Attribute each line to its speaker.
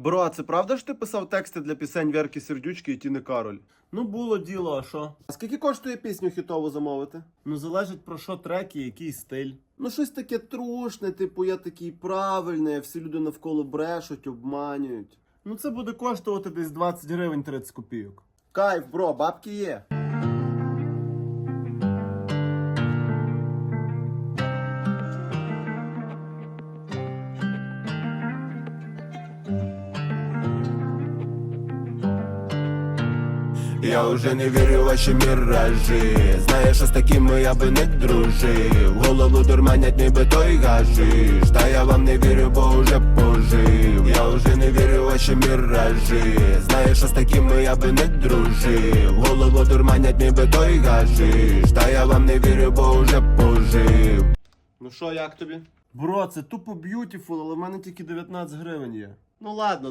Speaker 1: Бро, а це правда, що ти писав тексти для пісень Вірки Сердючки і Тіни Кароль?
Speaker 2: Ну, було діло, а що?
Speaker 1: А скільки коштує пісню хітову замовити?
Speaker 2: Ну, залежить про що трек і який стиль.
Speaker 1: Ну, щось таке трушне, типу, я такий правильний, а всі люди навколо брешуть, обманюють.
Speaker 2: Ну, це буде коштувати десь 20 гривень 30 копійок.
Speaker 1: Кайф, бро, бабки є.
Speaker 3: Я уже не вірю в ваші міражі. Знаєш, що з такими я би не дружив. Голову дурманять ніби той гашиш. Та я вам не вірю, бо уже пожив. Я уже не вірю в ваші міражі. Знаєш, що з такими я би не дружив. Голову дурманять ніби той гашиш. Та я вам не вірю, бо уже пожив.
Speaker 1: Ну що, як тобі?
Speaker 2: Бро, це тупо б'ютіфул, але в мене тільки 19 гривень є.
Speaker 1: Ну ладно,